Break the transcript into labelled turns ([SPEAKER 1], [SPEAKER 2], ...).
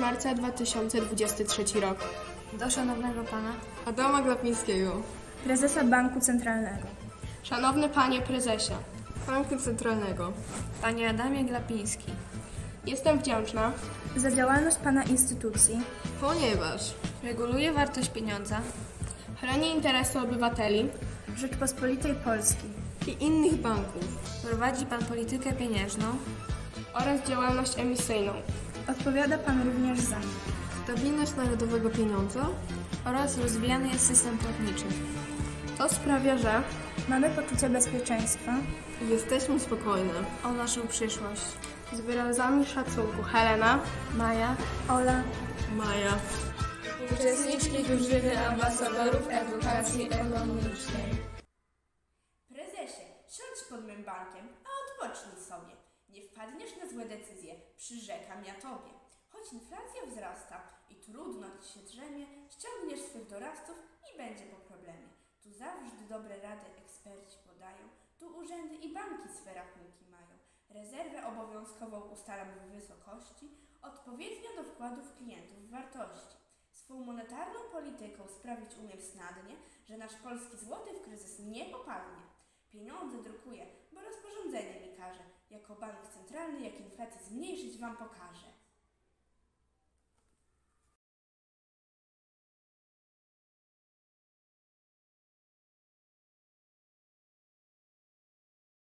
[SPEAKER 1] marca 2023 rok.
[SPEAKER 2] Do szanownego pana
[SPEAKER 3] Adama Glapińskiego.
[SPEAKER 4] Prezesa Banku Centralnego.
[SPEAKER 1] Szanowny Panie Prezesie,
[SPEAKER 3] Banku Centralnego.
[SPEAKER 2] Panie Adamie Glapiński,
[SPEAKER 1] jestem wdzięczna
[SPEAKER 4] Za działalność Pana instytucji.
[SPEAKER 3] Ponieważ
[SPEAKER 2] reguluje wartość pieniądza
[SPEAKER 1] chroni interesy obywateli
[SPEAKER 4] Rzeczpospolitej Polskiej.
[SPEAKER 3] i innych banków
[SPEAKER 2] prowadzi pan politykę pieniężną,
[SPEAKER 1] oraz działalność emisyjną.
[SPEAKER 4] Odpowiada Pan również za
[SPEAKER 3] stabilność narodowego pieniądza
[SPEAKER 2] oraz rozwijany jest system płatniczy.
[SPEAKER 1] To sprawia, że
[SPEAKER 4] mamy poczucie bezpieczeństwa.
[SPEAKER 3] i jesteśmy spokojne.
[SPEAKER 2] O naszą przyszłość.
[SPEAKER 1] z wyrazami szacunku Helena,
[SPEAKER 2] Maja,
[SPEAKER 4] Ola,
[SPEAKER 3] Maja.
[SPEAKER 2] uczestniczki drużyny ambasadorów edukacji ekonomicznej.
[SPEAKER 5] Prezesie, siądź pod mym bankiem, a odpocznij sobie. Nie wpadniesz na złe decyzje, przyrzekam ja tobie. Choć inflacja wzrasta i trudno ci się drzemie, ściągniesz swych doradców i będzie po problemie. Tu zawsze dobre rady eksperci podają, tu urzędy i banki swe rachunki mają. Rezerwę obowiązkową ustalam w wysokości, odpowiednio do wkładów klientów wartości. Swą monetarną polityką sprawić umiem snadnie, że nasz polski złoty w kryzys nie popadnie. Pieniądze drukuję, bo rozporządzenie mi każe. Jako bank centralny, jak inflację zmniejszyć wam pokażę.